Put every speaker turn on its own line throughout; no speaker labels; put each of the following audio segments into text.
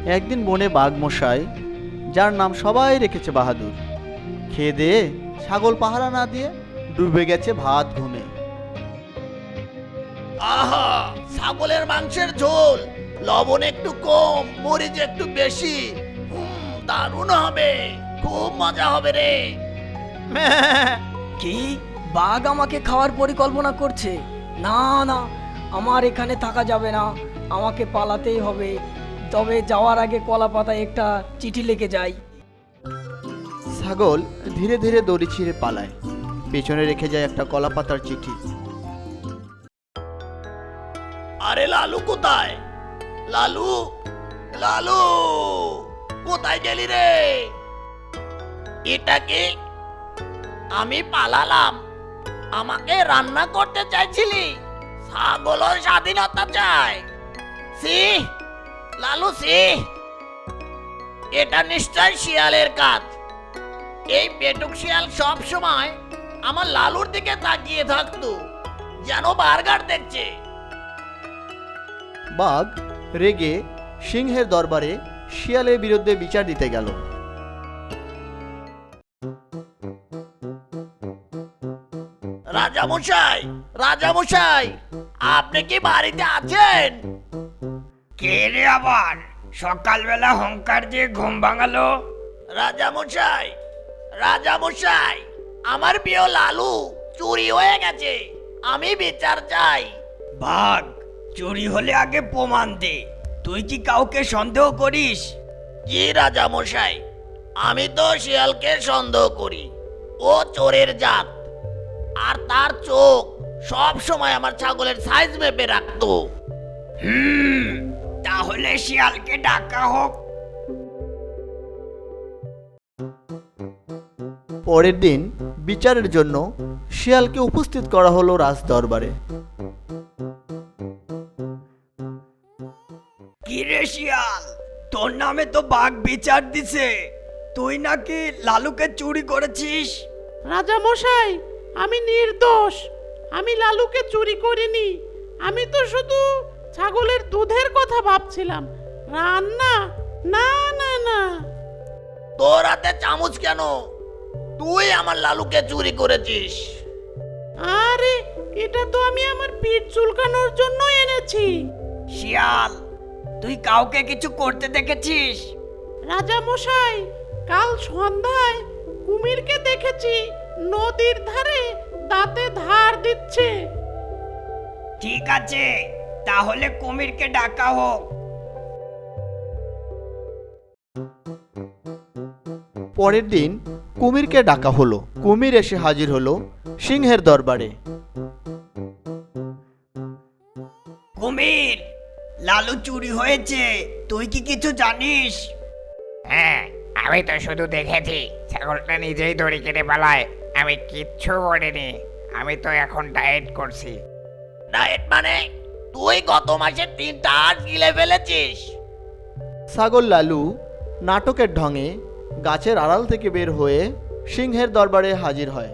একদিন বনে বাঘ মশাই, যার নাম সবাই রেখেছে বাহাদুর, খেয়ে দিয়ে ছাগল পাহারা না দিয়ে ডুবে গেছে ভাত ঘুমে।
আহা, ছাগলের মাংসের ঝোল, লবণ একটু কম, মরিচ একটু বেশি। দারুণ হবে, খুব মজা হবে রে।
কি বাঘ আমাকে খাওয়ার পরিকল্পনা করছে? না না, আমার এখানে থাকা যাবে না, আমাকে পালাতেই হবে। তবে যাওয়ার আগে কলা পাতায় একটা চিঠি লিখে যাই।
ছাগল ধীরে ধীরে দড়ি ছিঁড়ে পালায়, পেছনে রেখে যায় একটা কলা পাতার চিঠি।
আরে লালু কোথায়? লালু, লালু, কোথায় গেলি রে? এটা কি? আমি পালালাম, আমাকে রান্না করতে চাইছিলি? ছাগল স্বাধীনতা চায়। সি লালু, সি, এটা নিশ্চয় শিয়ালের কাজ। এই পেটুক শিয়াল সব সময় আমার লালুর দিকে তাকিয়ে থাকতো, যেন বার্গার দেখছে।
বাঘ রেগে সিংহের দরবারে শিয়ালের বিরুদ্ধে বিচার দিতে গেল।
রাজামশাই, রাজামশাই, আপনি কি বাড়িতে আছেন?
কে রে আবার সকালবেলা হংকার দিয়ে ঘুম ভাঙালো?
রাজামশাই, রাজামশাই, আমার প্রিয় লালু চুরি হয়ে গেছে, আমি বিচার চাই।
বাঘ, চুরি হলে আগে প্রমাণ দে। তুই কি কাউকে সন্দেহ করিস?
কি রাজামশাই, আমি তো শিয়ালকে সন্দেহ করি। ও চোরের জাত, আর তার চোখ সব সময় আমার ছাগলের সাইজ মেপে রাখতো।
তাহলে শিয়ালকে ডাকা হোক।
পরের দিন বিচারের জন্য শিয়ালকে উপস্থিত করা হলো রাজ দরবারে।
কি রে শিয়াল, তোর নামে তো বাঘ বিচার দিছে। তুই নাকি লালুকে চুরি করেছিস?
রাজা মশাই, আমি নির্দোষ, আমি লালুকে চুরি করিনি। আমি তো শুধু ছাগলের দুধের কথা ভাবছিলাম, রান্না না না না।
তোর হাতে চামচ কেন? তুই আমার লালুকে চুরি করেছিস।
আরে, এটা তো আমি আমার পিঠ চুলকানোর জন্য এনেছি।
শিয়াল, তুই কাউকে কিছু করতে দেখেছিস?
রাজা মশাই, কাল সন্ধ্যায় কুমিরকে দেখেছি নদীর ধারে দাঁতে ধার দিচ্ছে।
ঠিক আছে, তাহলে কুমিরকে ডাকা হোক।
পরের দিন কুমিরকে ডাকা হলো। কুমির এসে হাজির হলো সিংহের দরবারে।
কুমির, লালু চুরি হয়েছে, তুই কি কিছু জানিস?
হ্যাঁ, আমি তো শুধু দেখেছি ছাগলটা নিজেই দড়ি কেটে পালায়। আমি কিচ্ছু করিনি, আমি তো এখন ডায়েট করছি।
ডায়েট মানে? তুই গত মাসে 3টা হাঁস গিলে ফেলেছিস।
ছাগল লালু নাটকের ঢঙে গাছের আড়াল থেকে বের হয়ে সিংহের দরবারে হাজির হয়।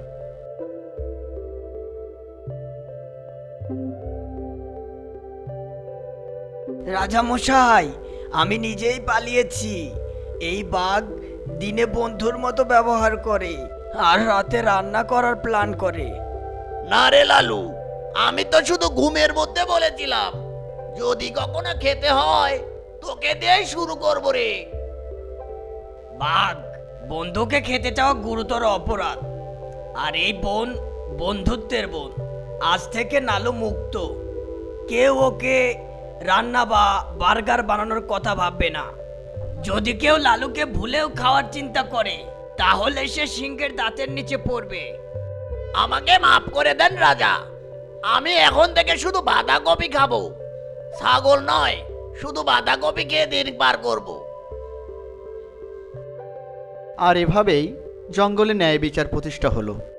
রাজামশাই, আমি নিজেই পালিয়েছি। এই বাঘ দিনে বন্ধুর মতো ব্যবহার করে আর রাতে রান্না করার প্ল্যান করে।
না রে লালু, আমি তো শুধু ঘুমের মধ্যে বলেছিলাম যদি কখনো খেতে হয় তোকে দিয়েই শুরু করবো রে।
বাঘ, বন্ধুকে খেতে চাওয়া গুরুতর অপরাধ। আর এই বোন বন্ধুত্বের বোন। আজ থেকে নালু মুক্ত। কেউ ওকে রান্না বা বার্গার বানানোর কথা ভাববে না। যদি কেউ লালুকে ভুলেও খাওয়ার চিন্তা করে তাহলে সে সিংহের দাঁতের নিচে পড়বে।
আমাকে মাফ করে দেন রাজা, আমি এখন থেকে শুধু বাঁধাকপি খাবো, ছাগল নয়, শুধু বাঁধাকপি খেয়ে দিন পার করব।
আর এভাবেই জঙ্গলে ন্যায় বিচার প্রতিষ্ঠা হলো।